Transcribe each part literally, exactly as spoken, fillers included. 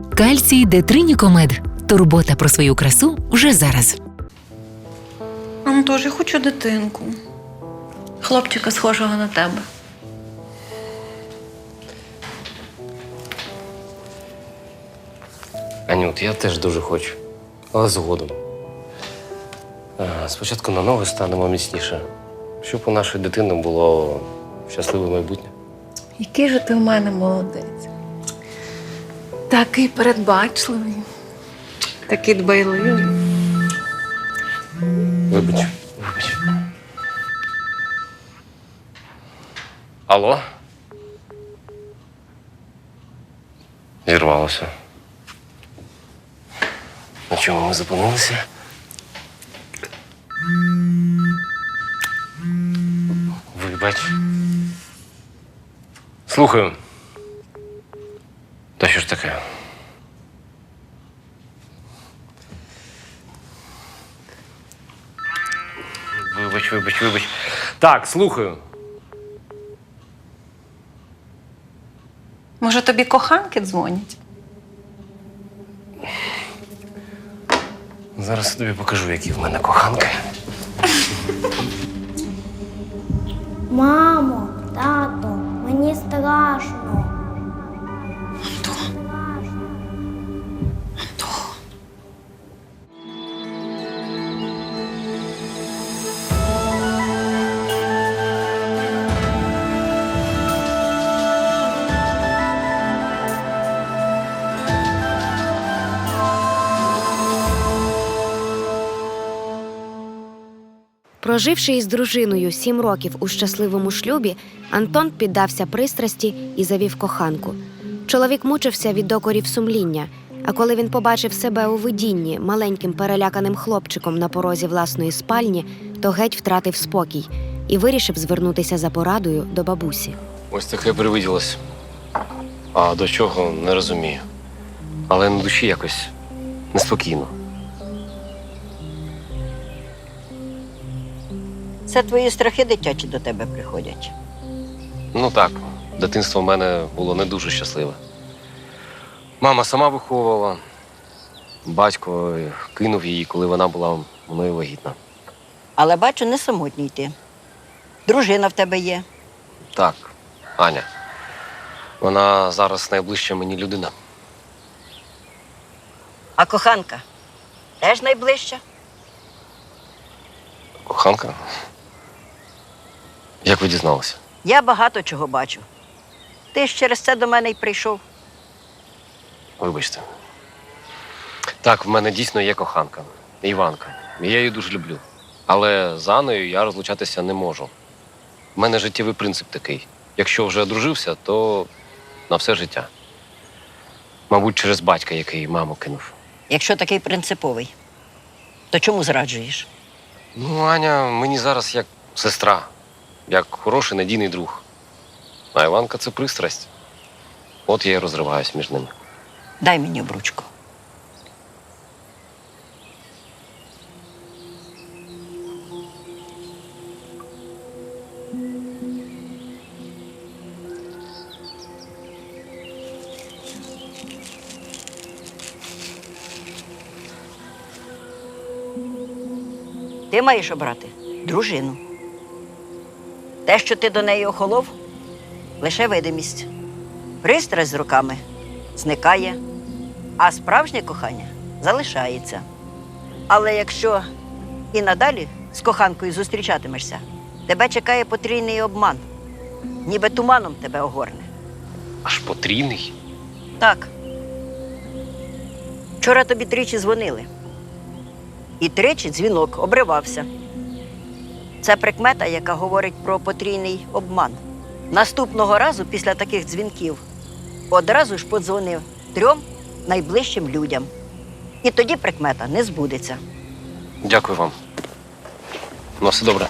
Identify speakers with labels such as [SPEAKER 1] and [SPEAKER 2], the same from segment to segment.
[SPEAKER 1] Кальцій Детринікомед. Турбота про свою красу вже зараз.
[SPEAKER 2] Антош, я хочу дитинку. Хлопчика, схожого на тебе.
[SPEAKER 3] Анют, я теж дуже хочу, але згодом. А, Спочатку на ноги станемо міцніше, щоб у нашої дитини було щасливе майбутнє.
[SPEAKER 2] Який же ти в мене молодець. Такий передбачливий. Такий дбайливий.
[SPEAKER 3] Вибач, вибач. Алло? Зірвалося. На чому ми зупинилися? Вибач. Слухаю. Та що ж таке? Вибач, вибач, вибач. Так, слухаю.
[SPEAKER 2] Може, тобі коханки дзвонять?
[SPEAKER 3] Зараз я тобі покажу, які в мене коханки.
[SPEAKER 4] Мамо, тато, мені страшно.
[SPEAKER 5] Проживши із дружиною сім років у щасливому шлюбі, Антон піддався пристрасті і завів коханку. Чоловік мучився від докорів сумління, а коли він побачив себе у видінні маленьким переляканим хлопчиком на порозі власної спальні, то геть втратив спокій і вирішив звернутися за порадою до бабусі.
[SPEAKER 3] Ось таке привиділось. А до чого – не розумію. Але на душі якось неспокійно.
[SPEAKER 6] Це твої страхи дитячі до тебе приходять.
[SPEAKER 3] Ну так, дитинство в мене було не дуже щасливе. Мама сама виховувала, батько кинув її, коли вона була мною вагітна.
[SPEAKER 6] Але бачу, не самотній ти. Дружина в тебе є.
[SPEAKER 3] Так, Аня. Вона зараз найближча мені людина.
[SPEAKER 6] А коханка теж найближча?
[SPEAKER 3] Коханка? Як ви дізналися?
[SPEAKER 6] Я багато чого бачу. Ти ж через це до мене й прийшов.
[SPEAKER 3] Вибачте. Так, в мене дійсно є коханка. Іванка. І я її дуже люблю. Але з Анною я розлучатися не можу. В мене життєвий принцип такий. Якщо вже одружився, то на все життя. Мабуть, через батька, який маму кинув.
[SPEAKER 6] Якщо такий принциповий, то чому зраджуєш?
[SPEAKER 3] Ну, Аня мені зараз як сестра, як хороший надійний друг. А Іванка – це пристрасть. От я і розриваюсь між ними.
[SPEAKER 6] Дай мені обручку. Ти маєш обрати дружину. Те, що ти до неї охолов, лише видимість. Пристрасть з роками зникає, а справжнє кохання залишається. Але якщо і надалі з коханкою зустрічатимешся, тебе чекає потрійний обман. Ніби туманом тебе огорне.
[SPEAKER 3] Аж потрійний?
[SPEAKER 6] Так. Вчора тобі тричі дзвонили. І тричі дзвінок обривався. Це прикмета, яка говорить про потрійний обман. Наступного разу після таких дзвінків одразу ж подзвонив трьом найближчим людям. І тоді прикмета не збудеться.
[SPEAKER 3] Дякую вам. На все добре.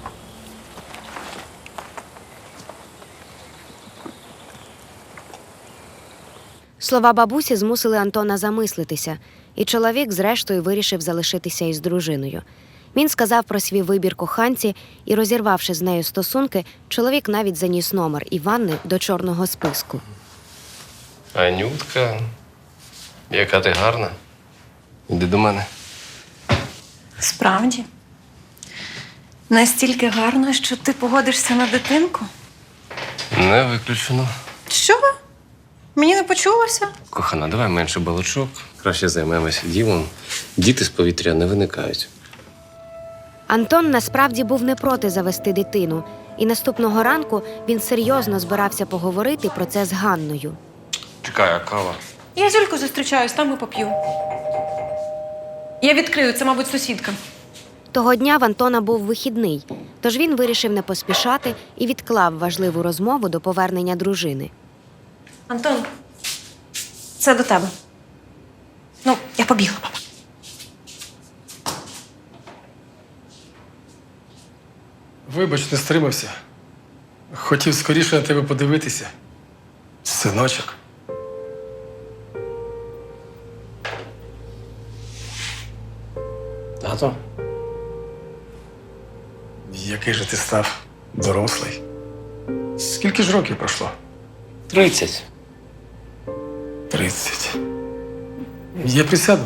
[SPEAKER 5] Слова бабусі змусили Антона замислитися, і чоловік зрештою вирішив залишитися із дружиною. Він сказав про свій вибір коханці і, розірвавши з нею стосунки, чоловік навіть заніс номер Іванни до чорного списку.
[SPEAKER 3] Анютка, Яка ти гарна. Іди до мене.
[SPEAKER 2] Справді. Настільки гарно, що ти погодишся на дитинку?
[SPEAKER 3] Не виключено.
[SPEAKER 2] Що? Мені не почулося?
[SPEAKER 3] Кохана, давай менше балачок. Краще займемося ділом. Діти з повітря не виникають.
[SPEAKER 5] Антон насправді був не проти завести дитину, і наступного ранку він серйозно збирався поговорити про це з Ганною.
[SPEAKER 3] Чекай, а кава?
[SPEAKER 2] Я з Юлькою зустрічаюсь, там і поп'ю. Я відкрию, це, мабуть, сусідка.
[SPEAKER 5] Того дня в Антона був вихідний, тож він вирішив не поспішати і відклав важливу розмову до повернення дружини.
[SPEAKER 2] Антон, це до тебе. Ну, я побігла, папа.
[SPEAKER 7] Вибач, не стримався. Хотів скоріше на тебе подивитися. Синочок.
[SPEAKER 3] Тато?
[SPEAKER 7] Який же ти став дорослий. Скільки ж років пройшло?
[SPEAKER 3] Тридцять.
[SPEAKER 7] Тридцять. Я присяду.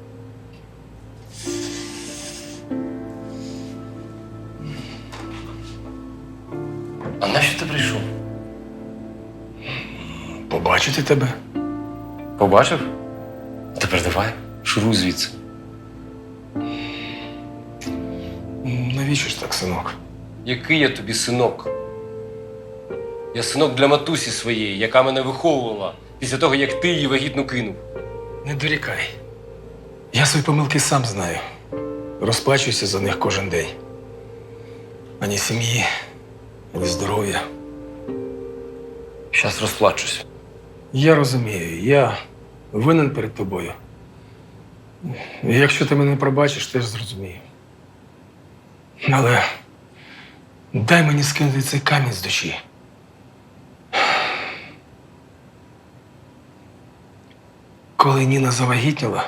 [SPEAKER 3] А нащо ти прийшов?
[SPEAKER 7] Побачити тебе.
[SPEAKER 3] Побачив? Тепер давай, шуруй звідси.
[SPEAKER 7] Навіщо ж так, синок?
[SPEAKER 3] Який я тобі синок? Я синок для матусі своєї, яка мене виховувала після того, як ти її вагітну кинув.
[SPEAKER 7] Не дорікай. Я свої помилки сам знаю. Розплачуюся за них кожен день. Ані сім'ї, ані здоров'я.
[SPEAKER 3] Щас розплачусь.
[SPEAKER 7] Я розумію, я винен перед тобою. І якщо ти мене пробачиш, теж зрозумію. Але дай мені скинути цей камінь з душі. Коли Ніна завагітніла,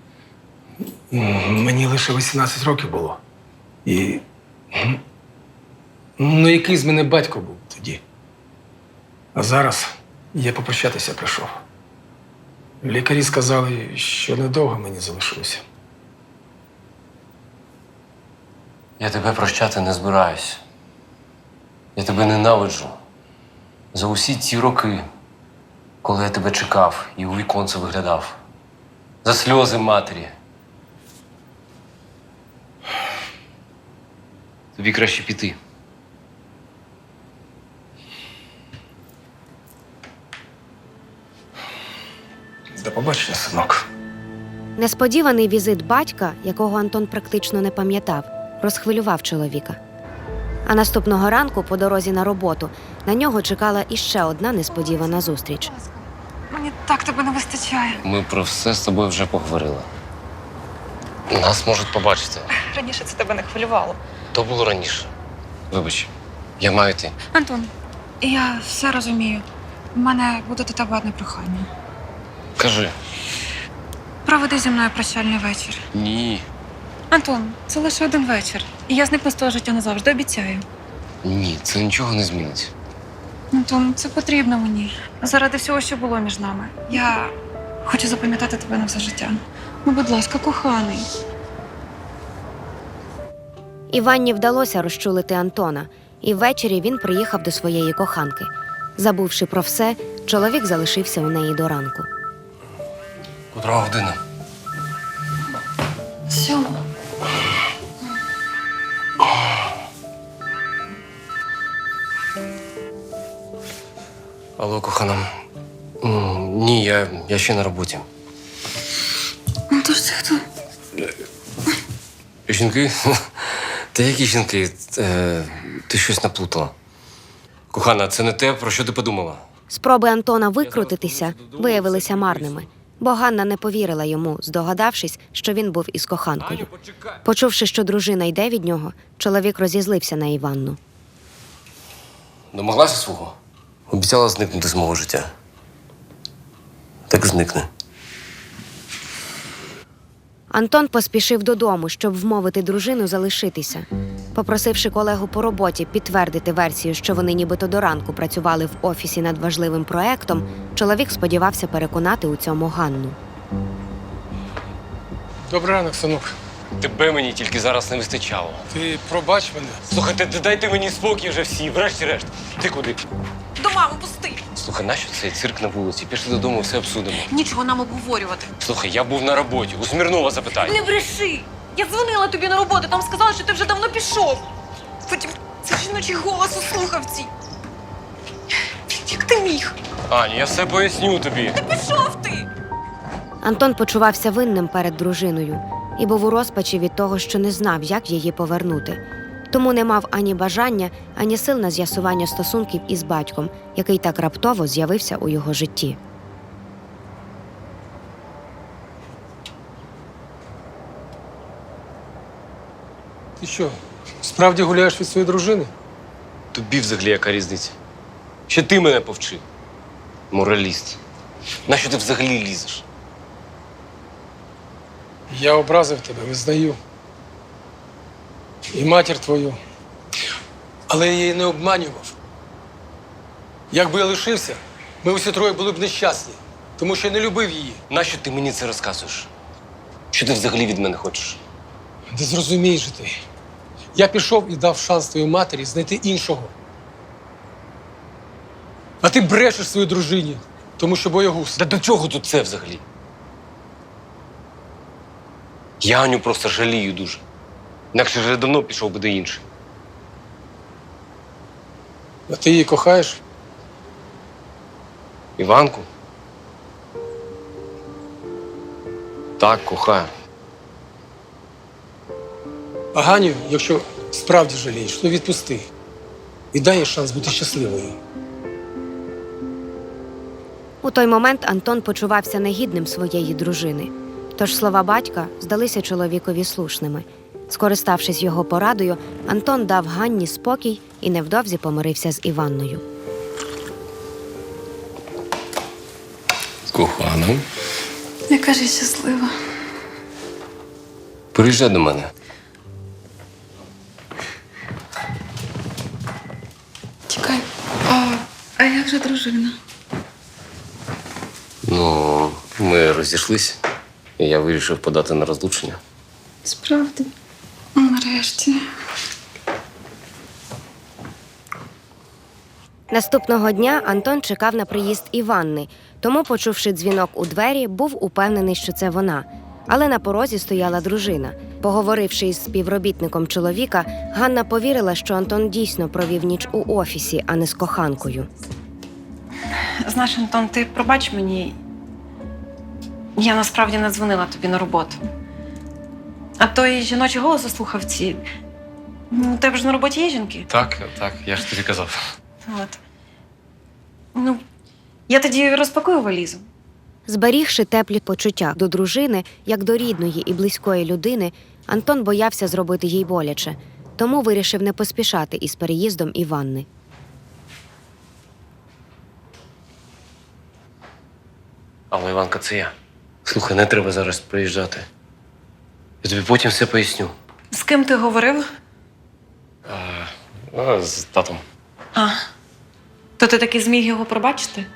[SPEAKER 7] м, мені лише вісімнадцять років було. І. м, Ну, який з мене батько був тоді? А зараз я попрощатися прийшов. Лікарі сказали, що недовго мені залишилося.
[SPEAKER 3] Я тебе прощати не збираюсь. Я тебе ненавиджу. За усі ці роки, коли я тебе чекав і у віконце виглядав. За сльози матері. Тобі краще піти.
[SPEAKER 7] До побачення, синок.
[SPEAKER 5] Несподіваний візит батька, якого Антон практично не пам'ятав, розхвилював чоловіка. А наступного ранку, по дорозі на роботу, на нього чекала іще одна несподівана зустріч.
[SPEAKER 2] Мені так тебе не вистачає.
[SPEAKER 3] Ми про все з тобою вже поговорили. Нас можуть побачити.
[SPEAKER 2] Раніше це тебе не хвилювало.
[SPEAKER 3] То було раніше. Вибач, я маю йти.
[SPEAKER 8] Антон, я все розумію. У мене буде до тебе одне прохання.
[SPEAKER 3] Кажи.
[SPEAKER 8] Проведи зі мною прощальний вечір.
[SPEAKER 3] Ні.
[SPEAKER 8] Антон, це лише один вечір. І я зникну з того життя назавжди, обіцяю.
[SPEAKER 3] Ні, це нічого не змінить.
[SPEAKER 8] Антон, це потрібно мені. Заради всього, що було між нами. Я хочу запам'ятати тебе на все життя. Ну, будь ласка, коханий.
[SPEAKER 5] Іванні вдалося розчулити Антона, і ввечері він приїхав до своєї коханки. Забувши про все, чоловік залишився у неї до ранку.
[SPEAKER 3] Котра година?
[SPEAKER 8] Сьома.
[SPEAKER 3] Алло, кохана. М, Ні, я, я ще на роботі.
[SPEAKER 8] Ну, то ж це хто?
[SPEAKER 3] Жінки? Та які жінки? Е, Ти щось наплутала. Кохана, це не те, про що ти подумала.
[SPEAKER 5] Спроби Антона викрутитися виявилися марними, бо Ганна не повірила йому, здогадавшись, що він був із коханкою. Почувши, що дружина йде від нього, чоловік розізлився на Іванну.
[SPEAKER 3] Домоглася свого? Обіцяла зникнути з мого життя. Так зникне.
[SPEAKER 5] Антон поспішив додому, щоб вмовити дружину залишитися. Попросивши колегу по роботі підтвердити версію, що вони нібито до ранку працювали в офісі над важливим проектом, чоловік сподівався переконати у цьому Ганну.
[SPEAKER 7] Добрий ранок, синок.
[SPEAKER 3] Тебе мені тільки зараз не вистачало.
[SPEAKER 7] Ти пробач мене.
[SPEAKER 3] Слухайте, дайте мені спокій вже всі, врешті-решт. Ти куди?
[SPEAKER 2] До мами пусти.
[SPEAKER 3] Слухай, нащо цей цирк на вулиці? Пішли додому, все обсудимо.
[SPEAKER 2] Нічого нам обговорювати.
[SPEAKER 3] Слухай, я був на роботі, у Смірнова запитай.
[SPEAKER 2] Не бреши! Я дзвонила тобі на роботу, там сказали, що ти вже давно пішов. Потім це жіночий голос у слухавці. Як ти міг?
[SPEAKER 3] Аня, я все поясню тобі.
[SPEAKER 2] Пішов ти!
[SPEAKER 5] Антон почувався винним перед дружиною і був у розпачі від того, що не знав, як її повернути. Тому не мав ані бажання, ані сил на з'ясування стосунків із батьком, який так раптово з'явився у його житті.
[SPEAKER 7] Ти що, справді гуляєш від своєї дружини?
[SPEAKER 3] Тобі взагалі яка різниця? Ще ти мене повчи. Мораліст. Нащо ти взагалі лізеш?
[SPEAKER 7] Я образив тебе, визнаю. І матір твою. Але я її не обманював. Якби я лишився, ми усі троє були б нещасні, тому що я не любив її.
[SPEAKER 3] Нащо ти мені це розказуєш? Що ти взагалі від мене хочеш?
[SPEAKER 7] Не зрозумієш же ти. Я пішов і дав шанс твоїй матері знайти іншого. А ти брешеш своїй дружині, тому що боягуз.
[SPEAKER 3] Та до чого тут це взагалі? Я Аню просто жалію дуже. Інакше вже давно пішов би до іншої.
[SPEAKER 7] А ти її кохаєш?
[SPEAKER 3] Іванку? Так, кохаю.
[SPEAKER 7] А Ганю, якщо справді жалієш, то відпусти. І дай їй шанс бути щасливою.
[SPEAKER 5] У той момент Антон почувався негідним своєї дружини. Тож слова батька здалися чоловікові слушними. Скориставшись його порадою, Антон дав Ганні спокій і невдовзі помирився з Іванною.
[SPEAKER 3] Кохана.
[SPEAKER 8] Яка ж я щаслива.
[SPEAKER 3] Приїжджай до мене.
[SPEAKER 8] Чекай, а, а як же дружина?
[SPEAKER 3] Ну, ми розійшлись, і я вирішив подати на розлучення.
[SPEAKER 8] Справді? Нарешті.
[SPEAKER 5] Наступного дня Антон чекав на приїзд Іванни, тому, почувши дзвінок у двері, був упевнений, що це вона. Але на порозі стояла дружина. Поговоривши із співробітником чоловіка, Ганна повірила, що Антон дійсно провів ніч у офісі, а не з коханкою.
[SPEAKER 2] Знаєш, Антон, ти пробач мені. Я насправді не дзвонила тобі на роботу. А той жіночий голос у слухавці. Ну, у тебе ж на роботі є жінки?
[SPEAKER 3] Так, так, я ж тобі казав.
[SPEAKER 2] От. Ну, я тоді розпакую валізу.
[SPEAKER 5] Зберігши теплі почуття до дружини, як до рідної і близької людини, Антон боявся зробити їй боляче, тому вирішив не поспішати із переїздом Іванни.
[SPEAKER 3] Але Іванка, це я. Слухай, не треба зараз приїжджати. Я тобі потім все поясню.
[SPEAKER 2] З ким ти говорив?
[SPEAKER 3] А, а, з татом.
[SPEAKER 2] А, то ти таки зміг його пробачити?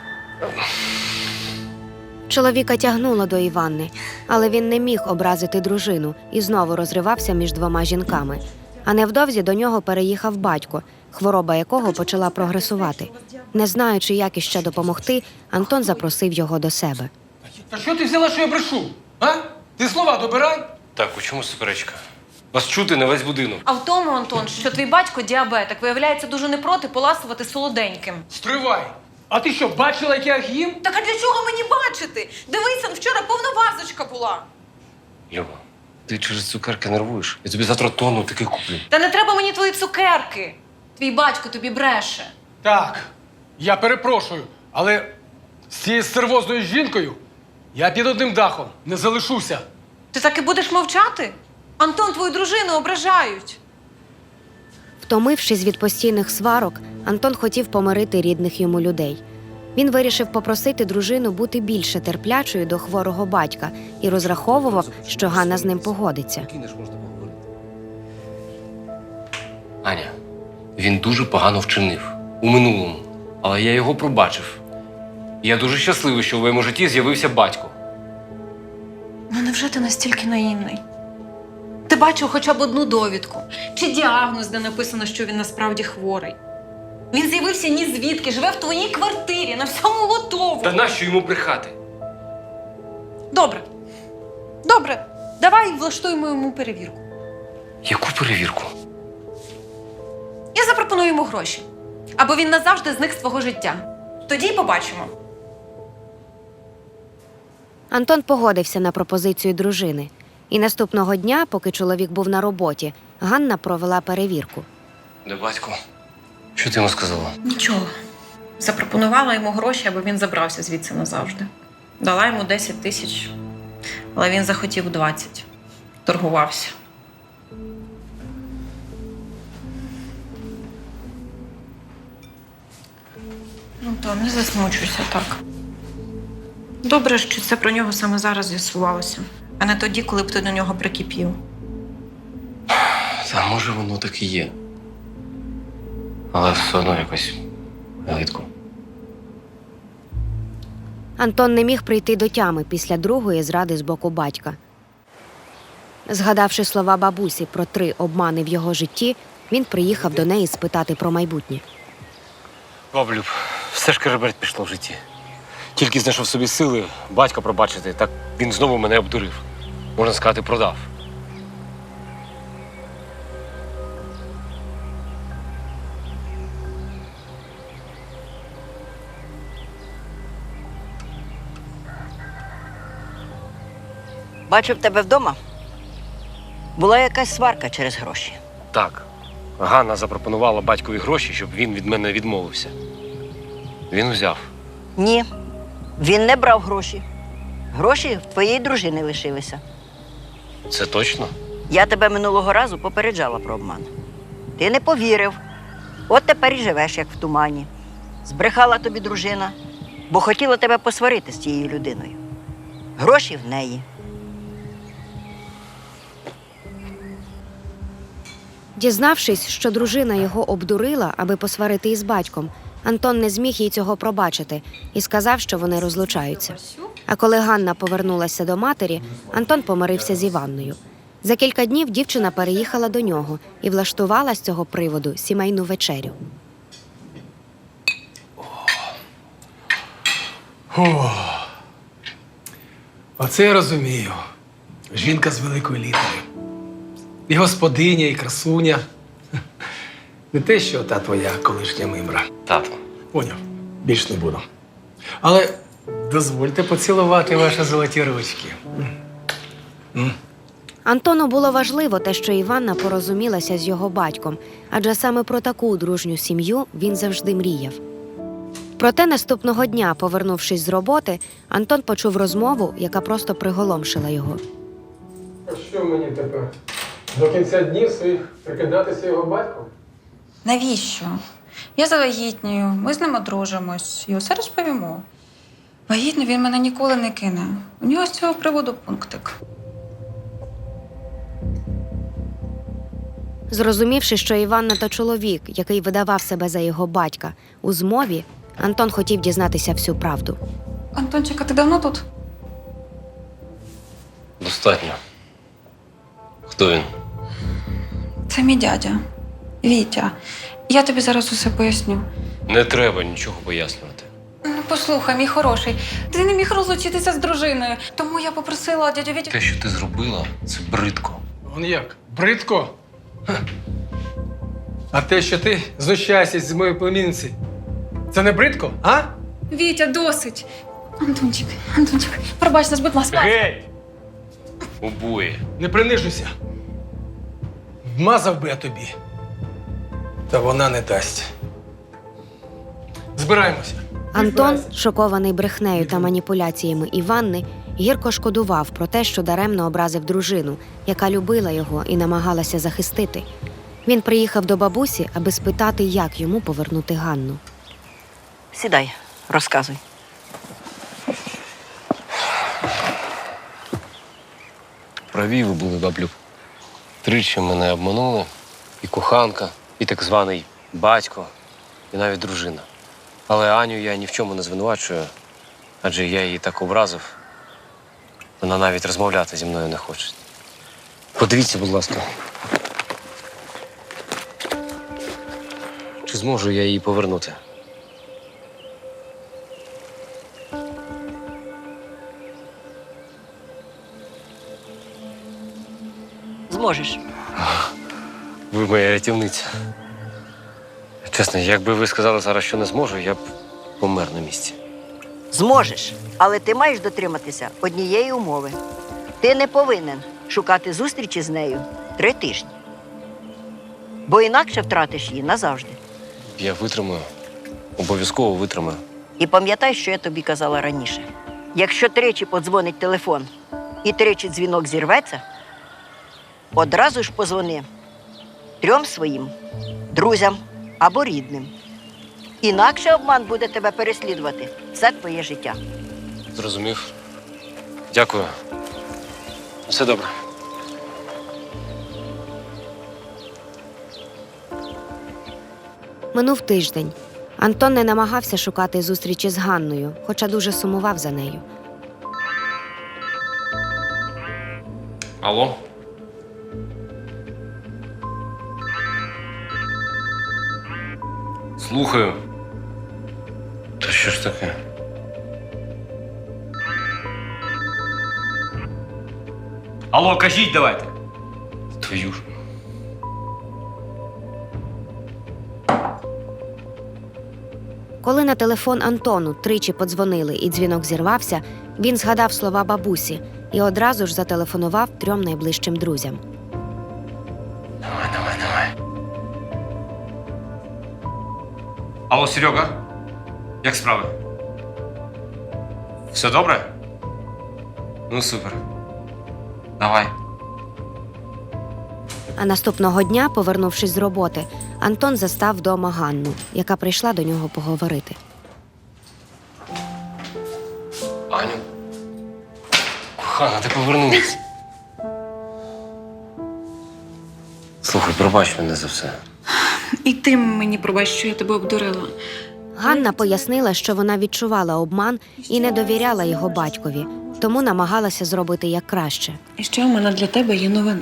[SPEAKER 5] Чоловіка тягнуло до Іванни, але він не міг образити дружину і знову розривався між двома жінками. А невдовзі до нього переїхав батько, хвороба якого почала прогресувати. Не знаючи, як іще допомогти, Антон запросив його до себе.
[SPEAKER 7] Та що ти взяла, що я брешу? А? Ти слова добирай.
[SPEAKER 3] Так, у чому суперечка? Вас чути на весь будинок.
[SPEAKER 2] А в тому, Антон, що твій батько діабетик, виявляється, дуже не проти поласувати солоденьким.
[SPEAKER 7] Стривай. А ти що, бачила, як я їх їм?
[SPEAKER 2] Так а для чого мені бачити? Дивися, вчора повна вазочка була.
[SPEAKER 3] Люба, ти через цукерки нервуєш. Я тобі завтра тонну таких куплю.
[SPEAKER 2] Та не треба мені твої цукерки. Твій батько тобі бреше.
[SPEAKER 7] Так, я перепрошую, але з цією сервозною жінкою я під одним дахом не залишуся.
[SPEAKER 2] Ти так і будеш мовчати? Антон, твою дружину ображають.
[SPEAKER 5] Втомившись від постійних сварок, Антон хотів помирити рідних йому людей. Він вирішив попросити дружину бути більше терплячою до хворого батька і розраховував, що Ганна з ним погодиться.
[SPEAKER 3] Кинеш, можна поговорити. Аня, він дуже погано вчинив у минулому, але я його пробачив. І я дуже щасливий, що в моєму житті з'явився батько.
[SPEAKER 2] Ну невже невже ти настільки наївний? Ти бачив хоча б одну довідку чи діагноз, де написано, що він насправді хворий. Він з'явився ні звідки, живе в твоїй квартирі, на всьому готово.
[SPEAKER 7] Та нащо йому брехати?
[SPEAKER 2] Добре. Добре. Давай влаштуємо йому перевірку.
[SPEAKER 3] Яку перевірку?
[SPEAKER 2] Я запропоную йому гроші. Або він назавжди зник з твого життя. Тоді й побачимо.
[SPEAKER 5] Антон погодився на пропозицію дружини. І наступного дня, поки чоловік був на роботі, Ганна провела перевірку.
[SPEAKER 3] Де батько? Що ти йому сказала?
[SPEAKER 2] Нічого. Запропонувала йому гроші, аби він забрався звідси назавжди. Дала йому десять тисяч, але він захотів двадцять. Торгувався. Ну, то не засмучуйся так. Добре, що це про нього саме зараз з'ясувалося, а не тоді, коли б ти до нього прикипів.
[SPEAKER 3] Та може воно так і є. Але все одно якось гидко.
[SPEAKER 5] Антон не міг прийти до тями після другої зради з боку батька. Згадавши слова бабусі про три обмани в його житті, він приїхав до неї спитати про майбутнє.
[SPEAKER 3] Баблюб, все ж кереберть пішло в житті. Тільки знайшов собі сили батька пробачити, так він знову мене обдурив. Можна сказати, продав.
[SPEAKER 6] Бачу, в тебе вдома була якась сварка через гроші.
[SPEAKER 3] Так. Ганна запропонувала батькові гроші, щоб він від мене відмовився. Він взяв.
[SPEAKER 6] Ні, він не брав гроші. Гроші в твоєї дружини лишилися.
[SPEAKER 3] Це точно?
[SPEAKER 6] Я тебе минулого разу попереджала про обман. Ти не повірив. От тепер і живеш, як в тумані. Збрехала тобі дружина, бо хотіла тебе посварити з тією людиною. Гроші в неї.
[SPEAKER 5] Дізнавшись, що дружина його обдурила, аби посварити із батьком, Антон не зміг їй цього пробачити і сказав, що вони розлучаються. А коли Ганна повернулася до матері, Антон помирився з Іванною. За кілька днів дівчина переїхала до нього і влаштувала з цього приводу сімейну вечерю.
[SPEAKER 7] О, оце я розумію. Жінка з великої літери. І господиня, і красуня. Не те, що та твоя колишня мимра.
[SPEAKER 3] Тато.
[SPEAKER 7] Поняв, більш не буду. Але дозвольте поцілувати ваші золоті ручки. М.
[SPEAKER 5] Антону було важливо те, що Іванна порозумілася з його батьком, адже саме про таку дружню сім'ю він завжди мріяв. Проте наступного дня, повернувшись з роботи, Антон почув розмову, яка просто приголомшила його.
[SPEAKER 7] А що мені тепер? До кінця днів своїх прикидатися його батьком?
[SPEAKER 8] Навіщо? Я завагітнюю, ми з ним одружимось і усе розповімо. Вагітно він мене ніколи не кине. У нього з цього приводу пунктик.
[SPEAKER 5] Зрозумівши, що Іванна – то чоловік, який видавав себе за його батька, у змові, Антон хотів дізнатися всю правду.
[SPEAKER 8] Антончик, а ти давно тут?
[SPEAKER 3] Достатньо. Хто він?
[SPEAKER 8] Це мій дядя. Вітя. Я тобі зараз усе поясню.
[SPEAKER 3] Не треба нічого пояснювати.
[SPEAKER 8] Ну, послухай, мій хороший, ти не міг розлучитися з дружиною, тому я попросила дядю Вітю...
[SPEAKER 3] Те, що ти зробила, це бридко.
[SPEAKER 7] Он як? Бридко? Ха. А те, що ти знущаєшся з моєї племінниці, це не бридко, а?
[SPEAKER 8] Вітя, досить! Антончик, Антончик, пробач нас, будь ласка.
[SPEAKER 7] Геть!
[SPEAKER 3] Обоє.
[SPEAKER 7] Не принижуйся. Вмазав би я тобі. Та вона не дасть. Збираємося.
[SPEAKER 5] Антон, шокований брехнею та маніпуляціями Іванни, гірко шкодував про те, що даремно образив дружину, яка любила його і намагалася захистити. Він приїхав до бабусі, аби спитати, як йому повернути Ганну.
[SPEAKER 6] Сідай, розказуй.
[SPEAKER 3] Праві ви були, баблюб. Тричі мене обманули. І коханка, і так званий батько, і навіть дружина. Але Аню я ні в чому не звинувачую, адже я її так образив. Вона навіть розмовляти зі мною не хоче. Подивіться, будь ласка. Чи зможу я її повернути?
[SPEAKER 6] Зможеш.
[SPEAKER 3] Ви моя рятівниця. Чесно, якби ви сказали зараз, що не зможу, я б помер на місці.
[SPEAKER 6] Зможеш, але ти маєш дотриматися однієї умови. Ти не повинен шукати зустрічі з нею три тижні. Бо інакше втратиш її назавжди.
[SPEAKER 3] Я витримаю. Обов'язково витримаю.
[SPEAKER 6] І пам'ятай, що я тобі казала раніше. Якщо тричі подзвонить телефон і тричі дзвінок зірветься, одразу ж позвони трьом своїм друзям або рідним. Інакше обман буде тебе переслідувати все твоє життя.
[SPEAKER 3] Зрозумів. Дякую. Все добре.
[SPEAKER 5] Минув тиждень. Антон не намагався шукати зустрічі з Ганною, хоча дуже сумував за нею.
[SPEAKER 3] Алло? Слухаю. Та що ж таке?
[SPEAKER 9] Алло, кажіть давайте.
[SPEAKER 3] Твою ж.
[SPEAKER 5] Коли на телефон Антону тричі подзвонили і дзвінок зірвався, він згадав слова бабусі і одразу ж зателефонував трьом найближчим друзям.
[SPEAKER 3] Давай, давай, давай.
[SPEAKER 9] Алло, Серега. Як справи? Все добре? Ну, супер. Давай.
[SPEAKER 5] А наступного дня, повернувшись з роботи, Антон застав вдома Ганну, яка прийшла до нього поговорити.
[SPEAKER 3] Аню. Кохана, ти повернулась. Слухай, пробач мене за все.
[SPEAKER 2] І ти мені пробач, що я тебе обдурила.
[SPEAKER 5] Ганна пояснила, що вона відчувала обман і не довіряла його батькові, тому намагалася зробити як краще.
[SPEAKER 2] І ще у мене для тебе є новина.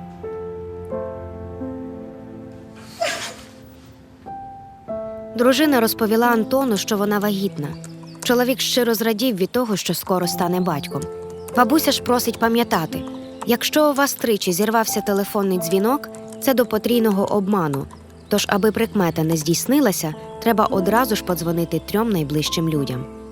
[SPEAKER 5] Дружина розповіла Антону, що вона вагітна. Чоловік щиро зрадів від того, що скоро стане батьком. Бабуся ж просить пам'ятати, якщо у вас тричі зірвався телефонний дзвінок, це до потрійного обману. Тож, аби прикмета не здійснилася, треба одразу ж подзвонити трьом найближчим людям.